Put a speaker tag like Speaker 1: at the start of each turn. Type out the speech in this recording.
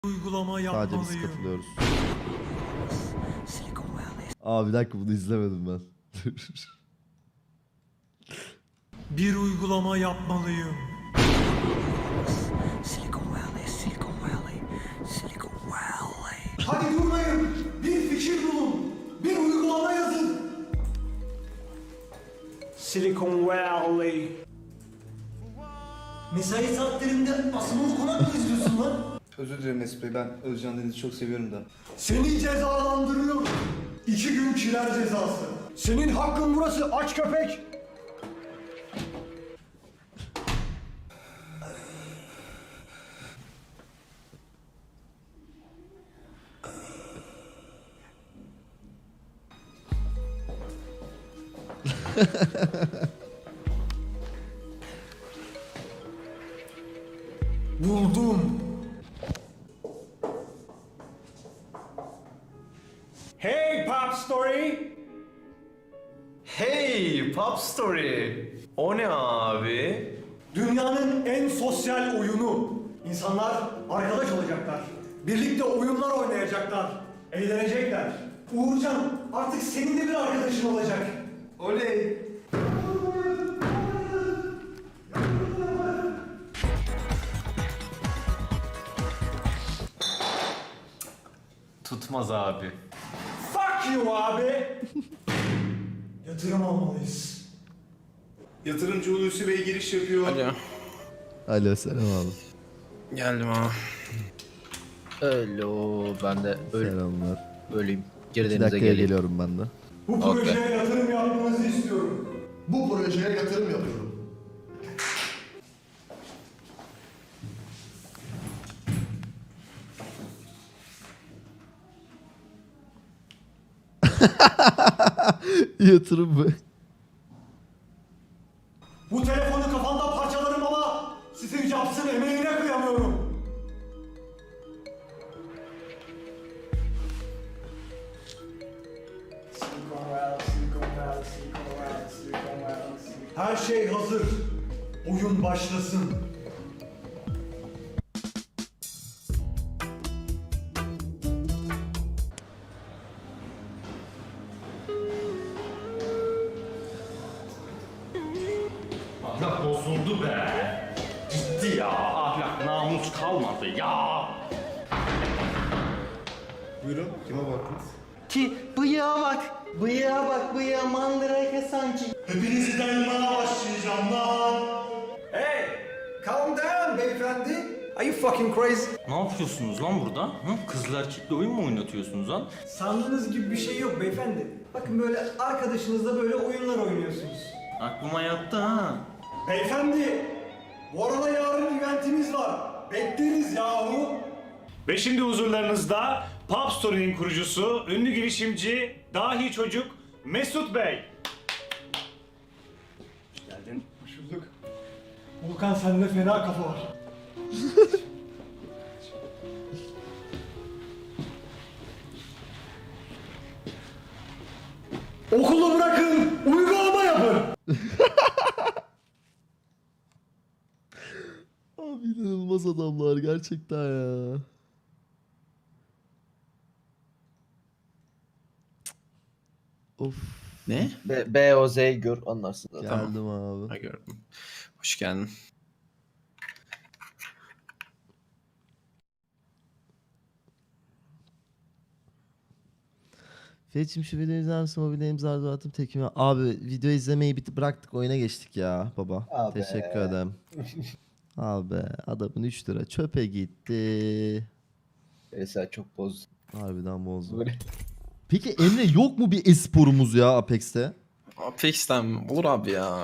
Speaker 1: Uygulama
Speaker 2: Sadece biz
Speaker 1: yapmalıyım.
Speaker 2: katılıyoruz. Aa bir dakika bunu izlemedim ben.
Speaker 1: Bir uygulama yapmalıyım. Hadi durmayın. Bir fikir bulun. Bir uygulama yazın. Silicon Valley. Mesai saatlerinde asmalı konak mı izliyorsun lan?
Speaker 3: Özür dilerim Mesut Bey, ben Özcan Deniz'i çok seviyorum da.
Speaker 1: Seni cezalandırıyorum. 2 gün kiler cezası. Senin hakkın burası aç köpek. Buldum. Hey Pop Story.
Speaker 4: Hey Pop Story. O ne abi?
Speaker 1: Dünyanın en sosyal oyunu. İnsanlar arkadaş olacaklar. Birlikte oyunlar oynayacaklar. Eğlenecekler. Uğurcan artık senin de bir arkadaşın olacak.
Speaker 3: Oley!
Speaker 4: Tutmaz abi.
Speaker 1: Fuck you abi. Yatırım almalıyız.
Speaker 3: Yatırımcı Hulusi Bey giriş yapıyor.
Speaker 5: Alo.
Speaker 2: Alo selam abi.
Speaker 5: Geldim abi. Alo. Ben de
Speaker 2: Selamlar.
Speaker 5: öleyim.
Speaker 2: 2
Speaker 5: Girdiğinize
Speaker 2: dakikaya
Speaker 5: geleyim.
Speaker 2: geliyorum ben de.
Speaker 1: Bu projeye yatırım yapmanızı istiyorum.
Speaker 6: Bu projeye yatırım yapıyorum.
Speaker 2: Yatırım mı?
Speaker 1: Bu telefonu kafanda parçalarım ama Steve Jobs'ın emeğine kıyamıyorum. Her şey hazır. Oyun başlasın.
Speaker 7: Ahlak bozuldu be. Gitti ya. Ahlak, namus kalmadı ya.
Speaker 3: Buyurun, kime baktınız?
Speaker 8: Ki bıyığa bak, bıyığa bak, bıyığa mandrake sanki.
Speaker 1: Hepinizi dayanmaya başlayacağım lan. Hey! Calm down beyefendi. Are you fucking crazy?
Speaker 7: Ne yapıyorsunuz lan burada? Hı? Kızlar erkekle oyun mu oynatıyorsunuz lan?
Speaker 1: Sandığınız gibi bir şey yok beyefendi. Bakın böyle arkadaşınızla böyle oyunlar oynuyorsunuz.
Speaker 7: Aklıma yattı ha.
Speaker 1: Beyefendi, bu arada yarın eventimiz var. Bekleriz yahu.
Speaker 9: Ve şimdi huzurlarınızda Pop Story'nin kurucusu, ünlü girişimci, dahi çocuk Mesut Bey. Hoş geldin.
Speaker 1: Hoş bulduk. Volkan sende fena kafa var. Okulu bırakın, uygulama yapın.
Speaker 2: Abi inanılmaz adamlar gerçekten ya. Of.
Speaker 5: Ne?
Speaker 8: B-O-Z'yi gör anlarsın zaten.
Speaker 2: Geldim abi.
Speaker 5: Ha, gördüm. Hoş geldin.
Speaker 2: Fetch'im şu videoyu izler misin? Mobile imza attım tekime. Abi video izlemeyi bıraktık oyuna geçtik ya baba.
Speaker 8: Abi.
Speaker 2: Teşekkür ederim. Abi adamın 3 lira çöpe gitti.
Speaker 8: Mesela çok bozdu.
Speaker 2: Harbiden bozdu.
Speaker 8: Böyle.
Speaker 2: Peki Emre yok mu bir esporumuz ya Apex'te?
Speaker 5: Apex'ten olur abi ya.